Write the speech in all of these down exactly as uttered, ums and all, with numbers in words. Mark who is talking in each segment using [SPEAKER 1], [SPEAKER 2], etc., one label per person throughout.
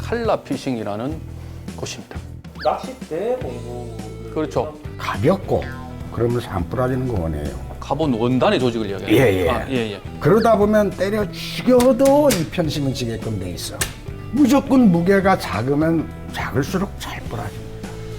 [SPEAKER 1] 칼라피싱이라는 곳입니다.
[SPEAKER 2] 낚싯대 공부.
[SPEAKER 1] 그렇죠.
[SPEAKER 3] 가볍고 그러면서 안 부러지는 거 원해요.
[SPEAKER 1] 가본 원단의 조직을 이야기해요.
[SPEAKER 3] 예, 예.
[SPEAKER 1] 아, 예, 예.
[SPEAKER 3] 그러다 보면 때려 죽여도 이 편심은 지게끔 돼 있어. 무조건 무게가 작으면 작을수록 잘 부러집니다.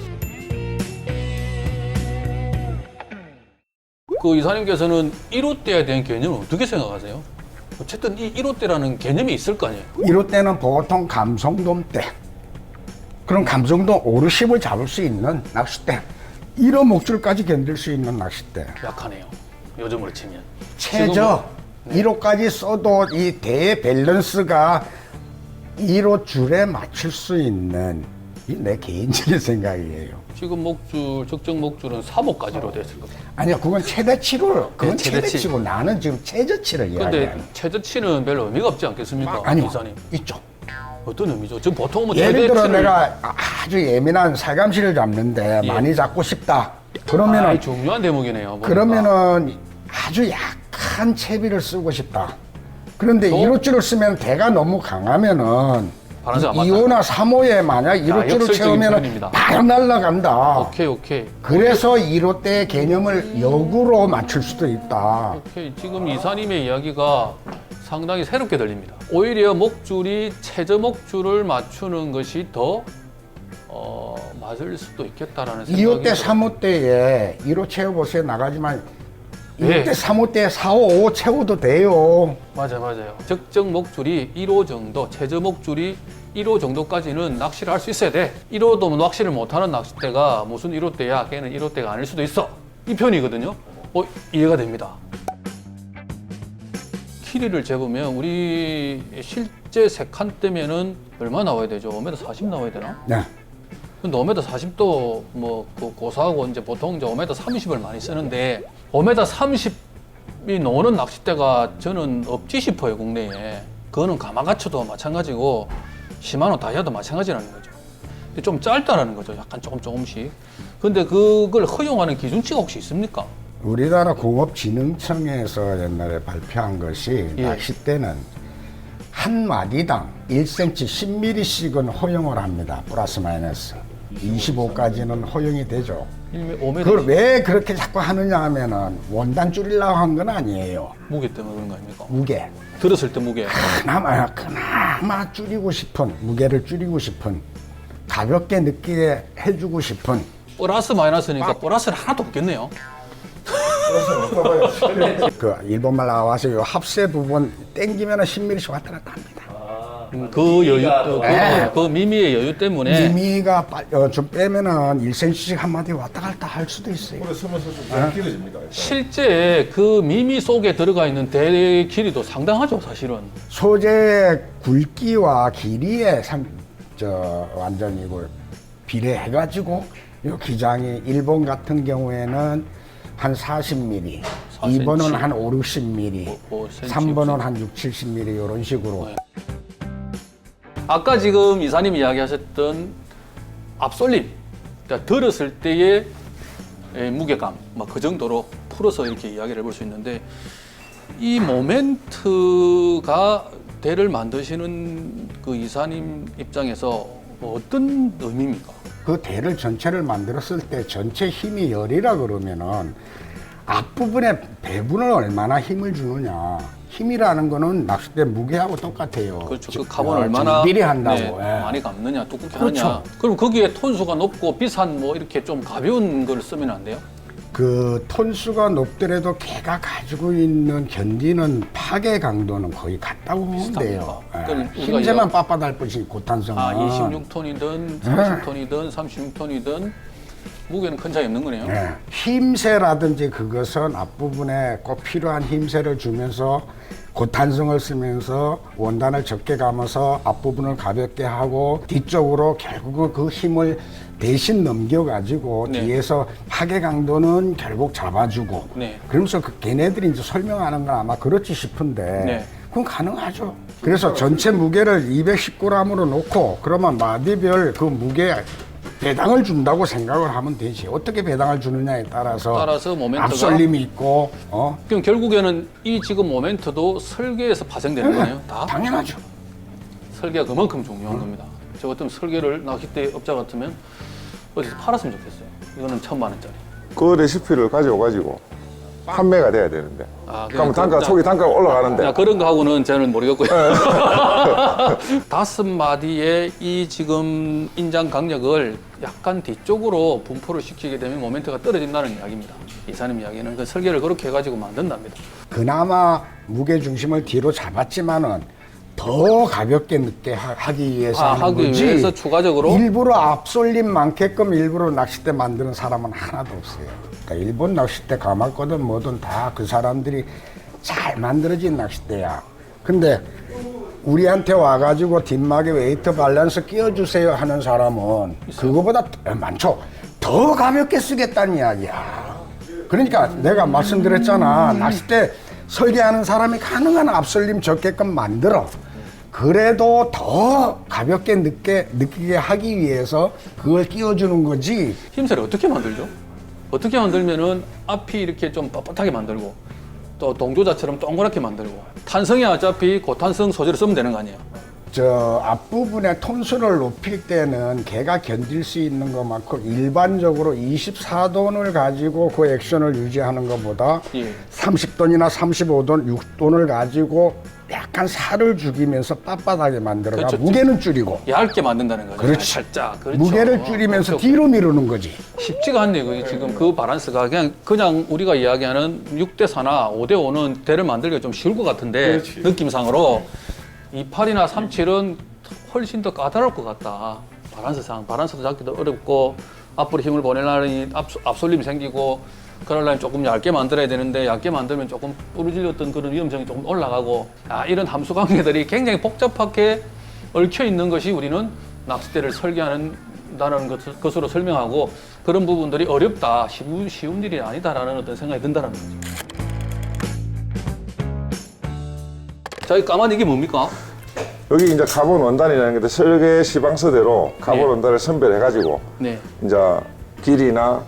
[SPEAKER 1] 그 이사님께서는 일 호대에 대한 개념을 어떻게 생각하세요? 어쨌든 이 일 호대라는 개념이 있을 거 아니에요?
[SPEAKER 3] 일 호 때는 보통 감성돔 때, 그럼 감성돔 오르십을 잡을 수 있는 낚싯대, 일 호 목줄까지 견딜 수 있는 낚싯대.
[SPEAKER 1] 약하네요. 요즘으로 치면.
[SPEAKER 3] 최저
[SPEAKER 1] 지금은-
[SPEAKER 3] 일 호까지 써도 이 대의 밸런스가 일 호 줄에 맞출 수 있는, 이 내 개인적인 생각이에요.
[SPEAKER 1] 지금 목줄, 적정 목줄은 삼 호까지로 됐을 겁니다.
[SPEAKER 3] 아니요, 그건 최대치로, 그건
[SPEAKER 1] 네, 최대치.
[SPEAKER 3] 최대치고 나는 지금 최저치를
[SPEAKER 1] 근데
[SPEAKER 3] 이야기해요.
[SPEAKER 1] 최저치는 별 의미가 없지 않겠습니까?
[SPEAKER 3] 아니요,
[SPEAKER 1] 이사님.
[SPEAKER 3] 있죠.
[SPEAKER 1] 어떤 의미죠? 지금 보통 뭐
[SPEAKER 3] 예를 들어
[SPEAKER 1] 최대치를-
[SPEAKER 3] 내가 아주 예민한 살감시를 잡는데
[SPEAKER 1] 예.
[SPEAKER 3] 많이 잡고 싶다. 그러면은
[SPEAKER 1] 아, 중요한 대목이네요. 보니까.
[SPEAKER 3] 그러면은 아주 약한 채비를 쓰고 싶다. 그런데
[SPEAKER 1] 또?
[SPEAKER 3] 일 호줄을 쓰면 대가 너무 강하면은
[SPEAKER 1] 바람새가 맞다.
[SPEAKER 3] 이 호나 삼 호에 만약 일 호줄을
[SPEAKER 1] 역설적인
[SPEAKER 3] 채우면은
[SPEAKER 1] 표현입니다.
[SPEAKER 3] 바로 날아간다.
[SPEAKER 1] 오케이, 오케이.
[SPEAKER 3] 그래서 일 호 때의 개념을 역으로 맞출 수도 있다.
[SPEAKER 1] 오케이. 지금 이사님의 이야기가 상당히 새롭게 들립니다. 오히려 목줄이 최저 목줄을 맞추는 것이 더 어, 맞을 수도 있겠다라는 생각이
[SPEAKER 3] 이 호 때,
[SPEAKER 1] 들어요.
[SPEAKER 3] 삼 호 때에 일 호 채워보세요. 나가지만 이 호
[SPEAKER 1] 예.
[SPEAKER 3] 때, 삼 호 때, 사 호, 오 호 채워도 돼요.
[SPEAKER 1] 맞아요, 맞아요. 적정 목줄이 일 호 정도, 최저 목줄이 일 호 정도까지는 낚시를 할 수 있어야 돼. 일 호도 낚시를 못하는 낚싯대가 무슨 일 호 때야, 걔는 일 호 때가 아닐 수도 있어. 이 편이거든요. 어, 이해가 됩니다. 길이를 재보면 우리 실제 세 칸 때면은 얼마 나와야 되죠? 오 미터 사십 나와야 되나?
[SPEAKER 3] 네.
[SPEAKER 1] 근데 오 미터 사십도 뭐 그 고사하고 이제 보통 이제 오 미터 삼십을 많이 쓰는데 오 미터 삼십이 나오는 낚싯대가 저는 없지 싶어요, 국내에. 그거는 가마가츠도 마찬가지고 시마노 다이아도 마찬가지라는 거죠. 근데 좀 짧다라는 거죠, 약간 조금 조금씩. 근데 그걸 허용하는 기준치가 혹시 있습니까?
[SPEAKER 3] 우리나라 공업진흥청에서 옛날에 발표한 것이
[SPEAKER 1] 예.
[SPEAKER 3] 낚싯대는 한 마디당 일 센티미터 십 밀리미터씩은 허용을 합니다. 플러스 마이너스. 이십오까지는 허용이 되죠.
[SPEAKER 1] 오 미터
[SPEAKER 3] 그걸 왜 그렇게 자꾸 하느냐 하면은 원단 줄이려고 한 건 아니에요.
[SPEAKER 1] 무게 때문에 그런 거 아닙니까?
[SPEAKER 3] 무게.
[SPEAKER 1] 들었을 때 무게.
[SPEAKER 3] 그나마, 그나마 줄이고 싶은, 무게를 줄이고 싶은, 가볍게 느끼게 해주고 싶은.
[SPEAKER 1] 플러스 마이너스니까 플러스는 하나도 없겠네요.
[SPEAKER 3] 그 일본말 나와서 요 합세 부분 땡기면 십 밀리미터씩 왔다 갔다 합니다.
[SPEAKER 1] 음, 그 여유, 그,
[SPEAKER 3] 네.
[SPEAKER 1] 그 미미의 여유 때문에
[SPEAKER 3] 미미가 빠- 어, 좀 빼면은 일 센티미터씩 한마디 왔다 갔다 할 수도 있어요.
[SPEAKER 4] 오래 서면서 좀 길어집니다. 일단.
[SPEAKER 1] 실제 그 미미 속에 들어가 있는 대의 길이도 상당하죠, 사실은.
[SPEAKER 3] 소재 굵기와 길이에 상, 저, 완전히 이걸 비례해가지고 요 기장이 일본 같은 경우에는 한 사십 밀리미터,
[SPEAKER 1] 사
[SPEAKER 3] 이 번은
[SPEAKER 1] 센티미터.
[SPEAKER 3] 한 오, 육십 밀리미터,
[SPEAKER 1] 오, 오 센티미터,
[SPEAKER 3] 삼 번은
[SPEAKER 1] 육 센티미터.
[SPEAKER 3] 한 육, 칠십 밀리미터 이런 식으로.
[SPEAKER 1] 네. 아까 지금 이사님 이야기하셨던 앞솔림, 그러니까 들었을 때의 에, 무게감, 막 그 정도로 풀어서 이렇게 이야기를 해볼 수 있는데 이 모멘트가 대를 만드시는 그 이사님 입장에서 뭐 어떤 의미입니까?
[SPEAKER 3] 그 대를 전체를 만들었을 때 전체 힘이 열이라 그러면은 앞부분에 배분을 얼마나 힘을 주느냐. 힘이라는 거는 낚싯대 무게하고 똑같아요.
[SPEAKER 1] 그렇죠.
[SPEAKER 3] 즉,
[SPEAKER 1] 그 값은
[SPEAKER 3] 어,
[SPEAKER 1] 얼마나
[SPEAKER 3] 비례 한다고.
[SPEAKER 1] 네,
[SPEAKER 3] 예.
[SPEAKER 1] 많이 갚느냐, 두껍게
[SPEAKER 3] 그렇죠.
[SPEAKER 1] 하느냐. 그럼 거기에 톤수가 높고 비싼 뭐 이렇게 좀 가벼운 걸 쓰면 안 돼요?
[SPEAKER 3] 그 톤수가 높더라도 걔가 가지고 있는 견디는 파괴 강도는 거의 같다고 보면 돼요.
[SPEAKER 1] 비슷합니까?
[SPEAKER 3] 예.
[SPEAKER 1] 그럼 우리가
[SPEAKER 3] 힘세만 빳빳할 뿐이지 고탄성은.
[SPEAKER 1] 아, 이십육 톤이든 사십 톤이든 삼십육 톤이든 무게는 큰 차이 없는 거네요.
[SPEAKER 3] 예. 힘세라든지 그것은 앞부분에 꼭 필요한 힘세를 주면서 고탄성을 쓰면서 원단을 적게 감아서 앞부분을 가볍게 하고 뒤쪽으로 결국은 그 힘을 대신 넘겨가지고
[SPEAKER 1] 네.
[SPEAKER 3] 뒤에서 파괴 강도는 결국 잡아주고
[SPEAKER 1] 네.
[SPEAKER 3] 그러면서 그 걔네들이 이제 설명하는 건 아마 그렇지 싶은데
[SPEAKER 1] 네.
[SPEAKER 3] 그건 가능하죠. 그래서 전체 무게를 이백십 그램으로 놓고 그러면 마디별 그 무게 배당을 준다고 생각을 하면 되지. 어떻게 배당을 주느냐에 따라서,
[SPEAKER 1] 따라서 모멘트가-
[SPEAKER 3] 앞설림이 있고, 어?
[SPEAKER 1] 그럼 결국에는 이 지금 모멘트도 설계에서 파생되는 거네요. 다
[SPEAKER 3] 당연하죠.
[SPEAKER 1] 설계가 그만큼 중요한 겁니다. 저 같으면 설계를 낚싯대 업자 같으면 어디서 팔았으면 좋겠어요. 이거는 천만 원짜리.
[SPEAKER 4] 그 레시피를 가져와가지고 판매가 돼야 되는데.
[SPEAKER 1] 아,
[SPEAKER 4] 그럼 단가, 초기 단가가 올라가는데.
[SPEAKER 1] 야, 그런 거 하고는 저는 모르겠고요. 다섯 마디의 이 지금 인장 강력을 약간 뒤쪽으로 분포를 시키게 되면 모멘트가 떨어진다는 이야기입니다. 이사님 이야기는 그 설계를 그렇게 해가지고 만든답니다.
[SPEAKER 3] 그나마 무게 중심을 뒤로 잡았지만은 더 가볍게 늦게 하- 하기 위해서
[SPEAKER 1] 아,
[SPEAKER 3] 하는
[SPEAKER 1] 하기
[SPEAKER 3] 거지.
[SPEAKER 1] 위해서 추가적으로
[SPEAKER 3] 일부러 앞솔림 많게끔 일부러 낚싯대 만드는 사람은 하나도 없어요. 그러니까 일본 낚싯대 가마거든 뭐든 다 그 사람들이 잘 만들어진 낚싯대야. 근데 우리한테 와가지고 뒷막에 웨이트 밸런스 끼워주세요 하는 사람은 그거보다 더 많죠. 더 가볍게 쓰겠다는 이야기야. 그러니까 내가 말씀드렸잖아. 낚싯대 설계하는 사람이 가능한 앞설림 적게끔 만들어. 그래도 더 가볍게 느끼게, 느끼게 하기 위해서 그걸 끼워주는 거지.
[SPEAKER 1] 힘새를 어떻게 만들죠? 어떻게 만들면은 앞이 이렇게 좀 뻣뻣하게 만들고 또 동조자처럼 동그랗게 만들고 탄성이 어차피 고탄성 소재를 쓰면 되는 거 아니에요?
[SPEAKER 3] 저 앞부분에 톤수를 높일 때는 걔가 견딜 수 있는 것만큼 일반적으로 이십사 돈을 가지고 그 액션을 유지하는 것보다
[SPEAKER 1] 예.
[SPEAKER 3] 삼십 돈이나 삼십오 돈, 육 돈을 가지고 약간 살을 죽이면서 빳빳하게 만들어가
[SPEAKER 1] 그렇죠.
[SPEAKER 3] 무게는 줄이고
[SPEAKER 1] 얇게 만든다는 거죠.
[SPEAKER 3] 그렇지.
[SPEAKER 1] 살짝. 그렇죠.
[SPEAKER 3] 무게를 줄이면서
[SPEAKER 1] 그렇죠.
[SPEAKER 3] 뒤로 미루는 거지.
[SPEAKER 1] 쉽지가 않네요. 그게 지금 그 밸런스가 그냥 그냥 우리가 이야기하는 육 대 사나 오 대 오는 대를 만들기가 좀 쉬울 것 같은데
[SPEAKER 2] 그렇지.
[SPEAKER 1] 느낌상으로 이십팔이나 삼십칠은 훨씬 더 까다로울 것 같다. 밸런스상 밸런스도 잡기도 어렵고 앞으로 힘을 보내려니 앞, 앞솔림이 생기고 그러려면 조금 얇게 만들어야 되는데 얇게 만들면 조금 부러질렸던 그런 위험성이 조금 올라가고 아, 이런 함수 관계들이 굉장히 복잡하게 얽혀 있는 것이 우리는 낚싯대를 설계하는다는 것, 것으로 설명하고 그런 부분들이 어렵다, 쉬운, 쉬운 일이 아니다라는 어떤 생각이 든다는 거죠. 자, 이 까만 이게 뭡니까?
[SPEAKER 4] 여기 이제 카본 원단이라는 게 설계 시방서대로 카본
[SPEAKER 1] 네.
[SPEAKER 4] 원단을 선별해가지고
[SPEAKER 1] 네.
[SPEAKER 4] 이제 길이나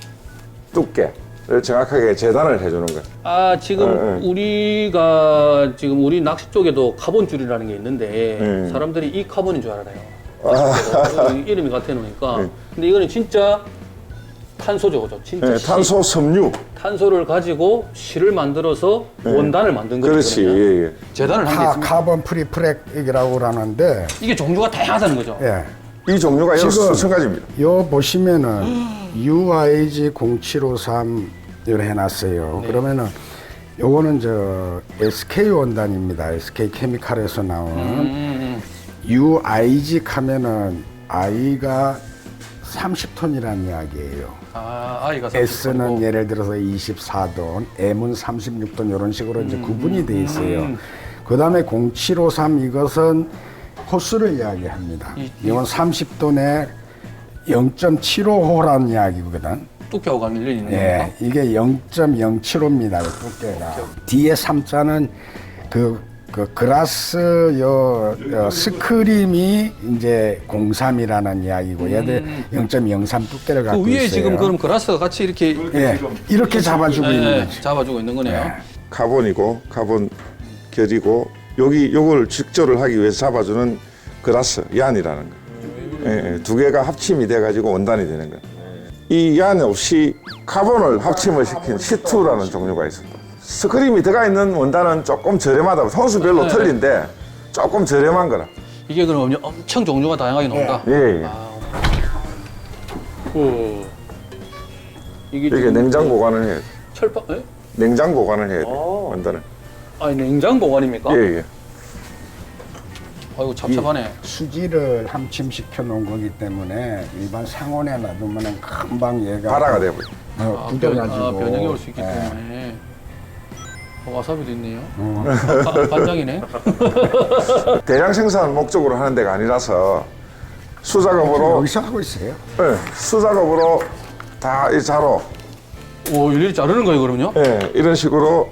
[SPEAKER 4] 두께를 정확하게 재단을 해주는 거예요.
[SPEAKER 1] 아, 지금
[SPEAKER 4] 네,
[SPEAKER 1] 우리가 지금 우리 낚시 쪽에도 카본 줄이라는 게 있는데
[SPEAKER 4] 네.
[SPEAKER 1] 사람들이 이 카본인 줄 알아요. 낚싯대가 이름이 같아 놓으니까.
[SPEAKER 4] 네.
[SPEAKER 1] 근데 이거는 진짜 탄소죠, 그죠? 진짜
[SPEAKER 4] 네,
[SPEAKER 1] 시-
[SPEAKER 4] 탄소 섬유.
[SPEAKER 1] 탄소를 가지고 실을 만들어서 원단을 만든 거죠.
[SPEAKER 4] 그렇지.
[SPEAKER 1] 그러면.
[SPEAKER 4] 예, 예.
[SPEAKER 1] 재단을 한 게
[SPEAKER 3] 카,
[SPEAKER 1] 있습니다.
[SPEAKER 3] 카본 프리프렉이라고 하는데
[SPEAKER 1] 이게 종류가 다양하다는 거죠.
[SPEAKER 3] 예.
[SPEAKER 4] 이 종류가 여러
[SPEAKER 3] 지금
[SPEAKER 4] 수천 가지입니다.
[SPEAKER 3] 요 보시면은 유아이지 공칠오삼 을 해놨어요. 그러면은 요거는 저 에스케이 원단입니다. 에스케이 케미칼에서 나온
[SPEAKER 1] 음,
[SPEAKER 3] 유아이지 하면은 I가 삼십 톤이라는 이야기예요.
[SPEAKER 1] 아, 아이가
[SPEAKER 3] S는
[SPEAKER 1] 삼십
[SPEAKER 3] 예를 들어서 이십사 돈, M은 삼십육 돈 이런 식으로 이제 구분이 돼 있어요. 그 다음에 공칠오삼 이것은 호수를 이야기합니다.
[SPEAKER 1] 이-
[SPEAKER 3] 이건 삼십 돈에 영 점 칠오 호라는 이야기거든.
[SPEAKER 1] 두께하고 관련이 있는
[SPEAKER 3] 예,
[SPEAKER 1] 겁니까?
[SPEAKER 3] 이게 영 점 영칠오입니다. 두께가. 뒤에 삼자는 그, 그 그라스 요, 요 스크림이 이제 공삼이라는 이야기고 얘들 영 점 영삼 두께를
[SPEAKER 1] 그
[SPEAKER 3] 갖고
[SPEAKER 1] 위에
[SPEAKER 3] 있어요.
[SPEAKER 1] 지금 그럼 그라스가 같이 이렇게
[SPEAKER 3] 예, 이렇게 잡아주고
[SPEAKER 1] 예,
[SPEAKER 3] 있는
[SPEAKER 1] 예,
[SPEAKER 3] 거지.
[SPEAKER 1] 잡아주고 있는 거네요.
[SPEAKER 3] 예.
[SPEAKER 4] 카본이고 카본 결이고 여기 요걸 직조를 하기 위해서 잡아주는 그라스 얀이라는 거. 예, 예, 두 개가 합침이 돼가지고 원단이 되는 거예요. 이 얀 없이 카본을 합침을 시킨 시투라는 종류가 있습니다. 스크림이 들어가 있는 원단은 조금 저렴하다. 선수별로
[SPEAKER 1] 네.
[SPEAKER 4] 틀린데 조금 저렴한 거라.
[SPEAKER 1] 이게 그럼 엄청 종류가 다양하게 나온다.
[SPEAKER 4] 예, 예.
[SPEAKER 1] 아, 오. 이게,
[SPEAKER 4] 이게
[SPEAKER 1] 지금
[SPEAKER 4] 냉장 보관을 해야 돼.
[SPEAKER 1] 철판, 예?
[SPEAKER 4] 냉장 보관을 해야 돼.
[SPEAKER 1] 아.
[SPEAKER 4] 원단을.
[SPEAKER 1] 아니 냉장 보관입니까?
[SPEAKER 4] 예, 예.
[SPEAKER 1] 아이고 잡잡하네.
[SPEAKER 3] 수지를 함침시켜 놓은 거기 때문에 일반 상온에 놔두면 금방 얘가
[SPEAKER 4] 발화가 돼버려.
[SPEAKER 3] 어,
[SPEAKER 1] 아,
[SPEAKER 3] 굳어가지고
[SPEAKER 1] 변, 아, 변형이 올 수 있기
[SPEAKER 3] 예.
[SPEAKER 1] 때문에. 어, 와사비도 있네요.
[SPEAKER 3] 어.
[SPEAKER 1] 아, 반장이네.
[SPEAKER 4] 대량 생산 목적으로 하는 데가 아니라서 수작업으로
[SPEAKER 3] 여기서 하고 있어요.
[SPEAKER 4] 예, 수작업으로 다 이 자로
[SPEAKER 1] 오, 일일이 자르는 거예요, 그러면요?
[SPEAKER 4] 예, 이런 식으로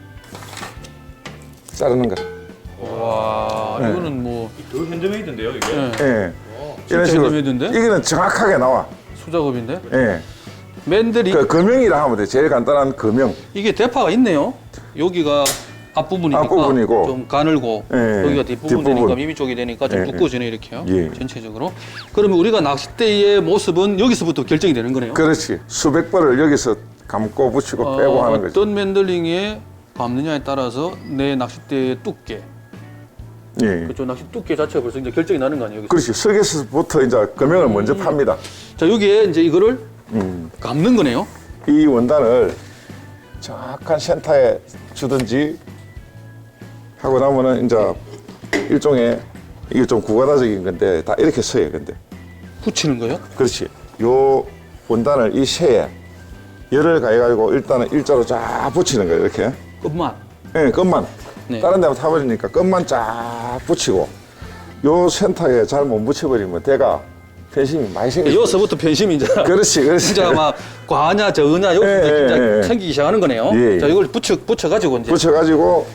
[SPEAKER 4] 자르는 거.
[SPEAKER 1] 와,
[SPEAKER 4] 네.
[SPEAKER 1] 이거는 뭐
[SPEAKER 2] 더 핸드메이드인데요 이게?
[SPEAKER 1] 예,
[SPEAKER 4] 예.
[SPEAKER 1] 진짜
[SPEAKER 4] 이런 식으로
[SPEAKER 1] 핸드메이드인데?
[SPEAKER 4] 이거는 정확하게 나와.
[SPEAKER 1] 수작업인데?
[SPEAKER 4] 예.
[SPEAKER 1] 맨들이
[SPEAKER 4] 그 금형이라 하면 돼. 제일 간단한 금형.
[SPEAKER 1] 이게 대파가 있네요. 여기가 앞부분이니까
[SPEAKER 4] 앞부분이고.
[SPEAKER 1] 좀 가늘고
[SPEAKER 4] 예,
[SPEAKER 1] 여기가 뒷부분
[SPEAKER 4] 뒷부분.
[SPEAKER 1] 되니까 미미 쪽이 되니까 좀
[SPEAKER 4] 예,
[SPEAKER 1] 두꺼워지네 이렇게요.
[SPEAKER 4] 예.
[SPEAKER 1] 전체적으로. 그러면 우리가 낚싯대의 모습은 여기서부터 결정이 되는 거네요.
[SPEAKER 4] 그렇지. 수백 벌을 여기서 감고 붙이고 빼고
[SPEAKER 1] 어,
[SPEAKER 4] 하는 거지.
[SPEAKER 1] 어떤 맨들링에 감느냐에 따라서 내 낚싯대의 두께,
[SPEAKER 4] 예.
[SPEAKER 1] 그쪽 낚시 두께 자체가 벌써 이제 결정이 나는 거 아니에요? 여기서?
[SPEAKER 4] 그렇지. 석에서부터 이제 금형을 먼저 팝니다.
[SPEAKER 1] 자 여기에 이제 이거를
[SPEAKER 4] 음.
[SPEAKER 1] 감는 거네요.
[SPEAKER 4] 이 원단을 정확한 센터에 주든지 하고 나면은 이제 일종의 이게 좀 구가다적인 건데 다 이렇게 서요. 근데
[SPEAKER 1] 붙이는 거예요?
[SPEAKER 4] 그렇지. 요 원단을 이 쇠에 열을 가해가지고 일단은 일자로 쫙 붙이는 거예요. 이렇게.
[SPEAKER 1] 끝만.
[SPEAKER 4] 예, 끝만.
[SPEAKER 1] 네.
[SPEAKER 4] 다른 데만 타버리니까 끝만 쫙 붙이고 요 센터에 잘 못 붙여버리면 대가 편심이 많이 생겨.
[SPEAKER 1] 여기서부터 편심이 이제
[SPEAKER 4] 그렇지, 그렇지.
[SPEAKER 1] 진짜 막 과냐 저냐 여기서
[SPEAKER 4] 예,
[SPEAKER 1] 진짜
[SPEAKER 4] 예, 예.
[SPEAKER 1] 생기기 시작하는 거네요.
[SPEAKER 4] 예, 예.
[SPEAKER 1] 자 이걸 붙여 붙여 가지고 이제
[SPEAKER 4] 붙여가지고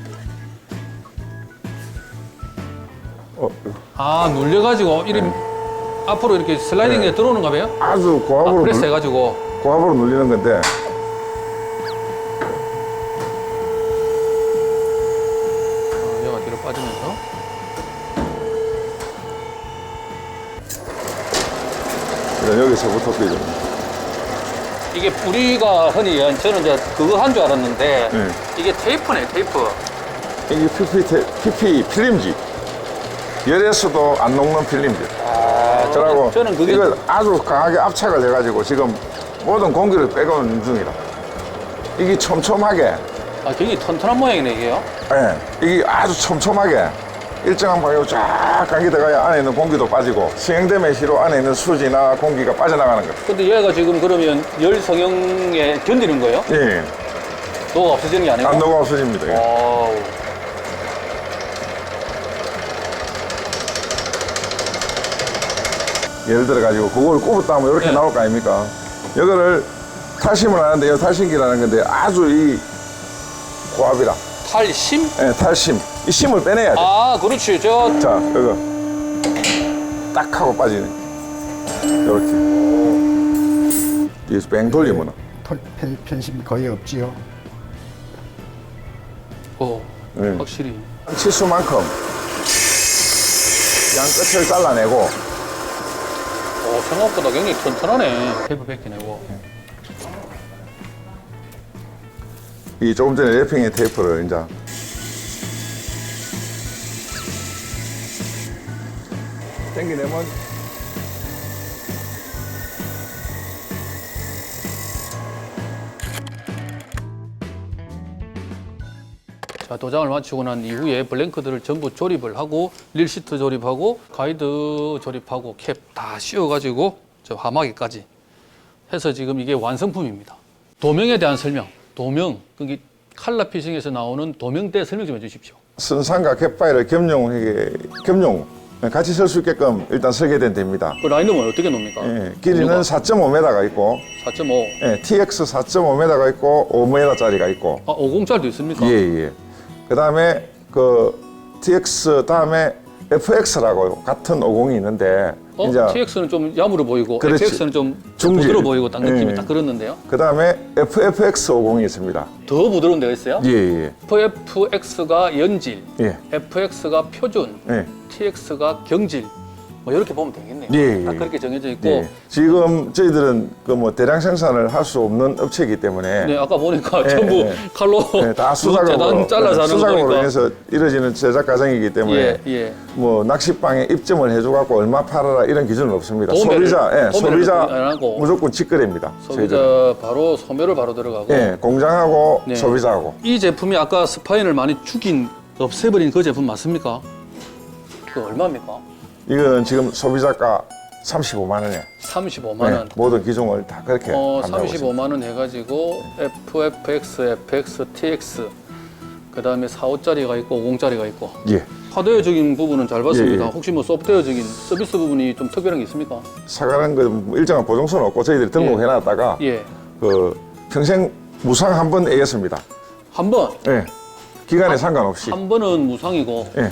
[SPEAKER 4] 어,
[SPEAKER 1] 아 눌려 가지고 이렇게 앞으로 이렇게 슬라이딩에
[SPEAKER 4] 네.
[SPEAKER 1] 들어오는가 봐요.
[SPEAKER 4] 아주
[SPEAKER 1] 아,
[SPEAKER 4] 고압으로
[SPEAKER 1] 프레스
[SPEAKER 4] 눌,
[SPEAKER 1] 해가지고
[SPEAKER 4] 고압으로 눌리는 건데
[SPEAKER 1] 아, 얘가 뒤로 빠지면서
[SPEAKER 4] 이제 여기서부터 삐져.
[SPEAKER 1] 이게 우리가 흔히 얘기하는 저는 이제 그거 한 줄 알았는데
[SPEAKER 4] 네.
[SPEAKER 1] 이게 테이프네 테이프.
[SPEAKER 4] 이게 피피, 테- 피피 필름지. 열에서도 안 녹는 필름지.
[SPEAKER 1] 아,
[SPEAKER 4] 그러고
[SPEAKER 1] 저는, 저는 그게
[SPEAKER 4] 이걸 아주 강하게 압착을 해가지고 지금 모든 공기를 빼고는 중이다. 이게 촘촘하게,
[SPEAKER 1] 아 굉장히 튼튼한 모양이네 이게요.
[SPEAKER 4] 예, 이게 아주 촘촘하게 일정한 방향으로 쫙 감기 들어가야 안에 있는 공기도 빠지고 수행됨의 시로 안에 있는 수지나 공기가 빠져나가는 거예요.
[SPEAKER 1] 근데 얘가 지금 그러면 열 성형에 견디는 거예요?
[SPEAKER 4] 예,
[SPEAKER 1] 녹아 없어지는 게 아니고?
[SPEAKER 4] 안 녹아 없어집니다. 예.
[SPEAKER 1] 와우.
[SPEAKER 4] 예를 들어 가지고 그걸 꼽았다 하면 이렇게
[SPEAKER 1] 네.
[SPEAKER 4] 나올 거 아닙니까? 이거를 탈심을 하는데 이 탈심기라는 건데 아주 이 고압이라.
[SPEAKER 1] 탈심?
[SPEAKER 4] 예, 탈심. 이 심을 빼내야 돼.
[SPEAKER 1] 아 그렇지 저
[SPEAKER 4] 자, 이거 딱 하고 빠지네. 이렇게. 뒤에서 뺑 돌리면
[SPEAKER 3] 털- 편- 편심이 거의 없지요.
[SPEAKER 1] 어,
[SPEAKER 4] 네.
[SPEAKER 1] 확실히
[SPEAKER 4] 치수만큼 양 끝을 잘라내고
[SPEAKER 1] 어, 생각보다 굉장히 튼튼하네. 테이프 벗겨내고.
[SPEAKER 4] 이 조금 전에 래핑의 테이프를 이제 당기내면
[SPEAKER 1] 자, 도장을 마치고 난 이후에 블랭크들을 전부 조립을 하고 릴시트 조립하고 가이드 조립하고 캡 다 씌워가지고 저 하마기까지 해서 지금 이게 완성품입니다. 도명에 대한 설명. 도명. 그게 칼라 피싱에서 나오는 도명대 설명 좀 해주십시오.
[SPEAKER 4] 선상과 갯바위를 겸용하게 겸용 같이 설 수 있게끔 일단 설계된 데입니다.
[SPEAKER 1] 그 라인업은 어떻게 놓습니까?
[SPEAKER 4] 예, 길이는 사 점 오 미터가 있고
[SPEAKER 1] 사 점 오.
[SPEAKER 4] 예, 티엑스 사 점 오 미터가 있고 오 미터짜리가 있고
[SPEAKER 1] 아, 오공짜리도 있습니까?
[SPEAKER 4] 예, 예. 그다음에 그 티엑스 다음에 에프엑스라고 같은 오공이 있는데
[SPEAKER 1] 어? 티엑스는 좀 야무로 보이고
[SPEAKER 4] 그렇지.
[SPEAKER 1] 에프엑스는 좀
[SPEAKER 4] 중질.
[SPEAKER 1] 부드러워 보이고 딱 느낌이
[SPEAKER 4] 예.
[SPEAKER 1] 딱 그렇는데요.
[SPEAKER 4] 그다음에 에프에프엑스 오공이 있습니다.
[SPEAKER 1] 더 부드러운 데가 있어요?
[SPEAKER 4] 예, 예.
[SPEAKER 1] 에프에프엑스가 연질,
[SPEAKER 4] 예.
[SPEAKER 1] 에프엑스가 표준,
[SPEAKER 4] 예.
[SPEAKER 1] 티엑스가 경질. 뭐 이렇게 보면 되겠네요.
[SPEAKER 4] 예,
[SPEAKER 1] 딱
[SPEAKER 4] 예.
[SPEAKER 1] 그렇게 정해져 있고.
[SPEAKER 4] 예. 지금 저희들은 그 뭐 대량 생산을 할 수 없는 업체이기 때문에
[SPEAKER 1] 네, 아까 보니까
[SPEAKER 4] 예,
[SPEAKER 1] 전부
[SPEAKER 4] 예.
[SPEAKER 1] 칼로
[SPEAKER 4] 예, 다 수작업으로
[SPEAKER 1] 재단 잘라서 하는 거
[SPEAKER 4] 수작업으로
[SPEAKER 1] 보니까.
[SPEAKER 4] 인해서 이루어지는 제작 과정이기 때문에
[SPEAKER 1] 예, 예.
[SPEAKER 4] 뭐 낚시방에 입점을 해줘갖고 얼마 팔아라 이런 기준은 없습니다.
[SPEAKER 1] 도매를-
[SPEAKER 4] 소비자, 예,
[SPEAKER 1] 도매를
[SPEAKER 4] 소비자
[SPEAKER 1] 안 하고.
[SPEAKER 4] 무조건 직거래입니다. 저희들은.
[SPEAKER 1] 소비자 바로 소매를 바로 들어가고.
[SPEAKER 4] 예, 공장하고
[SPEAKER 1] 네.
[SPEAKER 4] 소비자하고.
[SPEAKER 1] 이 제품이 아까 스파인을 많이 죽인, 없애버린 그 제품 맞습니까? 그 얼마입니까?
[SPEAKER 4] 이건 지금 소비자가 삼십오만 원에
[SPEAKER 1] 삼십오만 원.
[SPEAKER 4] 모든 기종을 다 그렇게
[SPEAKER 1] 어,
[SPEAKER 4] 판매하고 있습니다.
[SPEAKER 1] 삼십오만 원 해가지고 에프에프엑스, 에프엑스, 티엑스 그 다음에 사십오짜리가 있고 오십짜리가 있고
[SPEAKER 4] 예,
[SPEAKER 1] 하드웨어적인 부분은 잘 봤습니다.
[SPEAKER 4] 예, 예.
[SPEAKER 1] 혹시 뭐 소프트웨어적인 서비스 부분이 좀 특별한 게 있습니까?
[SPEAKER 4] 사가는 건 일정한 보증서는 없고 저희들이 등록해놨다가
[SPEAKER 1] 예.
[SPEAKER 4] 그 평생 무상 한 번 애겠습니다.
[SPEAKER 1] 한 번,
[SPEAKER 4] 예, 기간에 상관없이
[SPEAKER 1] 한 번은 무상이고
[SPEAKER 4] 예,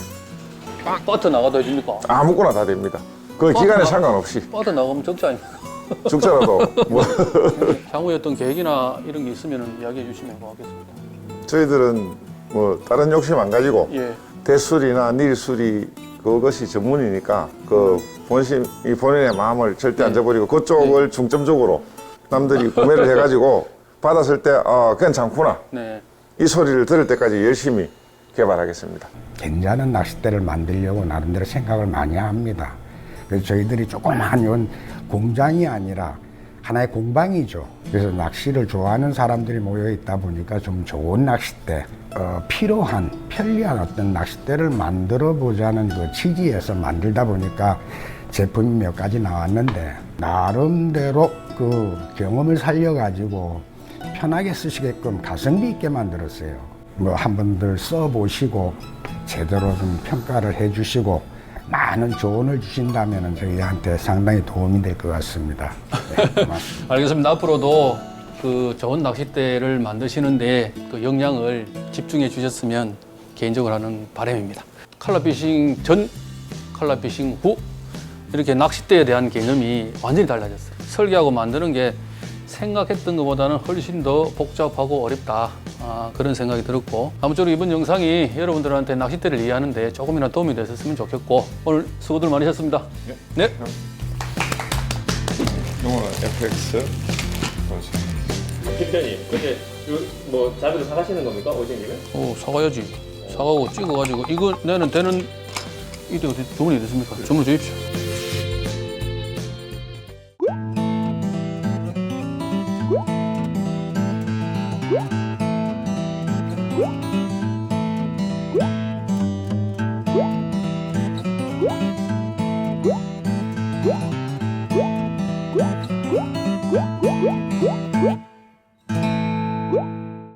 [SPEAKER 1] 빠트 나가도 해줍니까?
[SPEAKER 4] 아무거나 다 됩니다. 그 기간에
[SPEAKER 1] 나-
[SPEAKER 4] 상관없이
[SPEAKER 1] 빠트 나가면 적자 아닙니까?
[SPEAKER 4] 죽더라도 뭐
[SPEAKER 1] 향후에 어떤 계획이나 이런 게 있으면 이야기해 주시면 고맙겠습니다.
[SPEAKER 4] 저희들은 뭐 다른 욕심 안 가지고
[SPEAKER 1] 예.
[SPEAKER 4] 대수리나 닐수리 그것이 전문이니까 그 본심 이 본인의 마음을 절대 안 저버리고 그쪽을 중점적으로 남들이 구매를 해가지고 받았을 때 아 괜찮구나
[SPEAKER 1] 네.
[SPEAKER 4] 이 소리를 들을 때까지 열심히 개발하겠습니다.
[SPEAKER 3] 괜찮은 낚싯대를 만들려고 나름대로 생각을 많이 합니다. 그래서 저희들이 조그마한 이건 공장이 아니라 하나의 공방이죠. 그래서 낚시를 좋아하는 사람들이 모여 있다 보니까 좀 좋은 낚싯대, 어, 필요한 편리한 어떤 낚싯대를 만들어 보자는 그 취지에서 만들다 보니까 제품이 몇 가지 나왔는데 나름대로 그 경험을 살려가지고 편하게 쓰시게끔 가성비 있게 만들었어요. 뭐 한 번들 써보시고 제대로 좀 평가를 해주시고 많은 조언을 주신다면 저희한테 상당히 도움이 될 것 같습니다. 네, 고맙습니다.
[SPEAKER 1] 알겠습니다. 앞으로도 그 좋은 낚싯대를 만드시는데 그 역량을 집중해 주셨으면 개인적으로 하는 바람입니다. 칼라피싱 전, 칼라피싱 후 이렇게 낚싯대에 대한 개념이 완전히 달라졌어요. 설계하고 만드는 게 생각했던 것보다는 훨씬 더 복잡하고 어렵다. 아, 그런 생각이 들었고 아무쪼록 이번 영상이 여러분들한테 낚싯대를 이해하는데 조금이나 도움이 됐었으면 좋겠고 오늘 수고들 많으셨습니다. 네.
[SPEAKER 4] 이거는 에프엑스.
[SPEAKER 2] 대표님, 근데 뭐 자비를 사가시는 겁니까? 오신 김에?
[SPEAKER 1] 오, 사가야지. 사가고 찍어가지고 이거 내는 되는 이게 어디 주문이 됐습니까? 주문 주십시오.
[SPEAKER 5] What?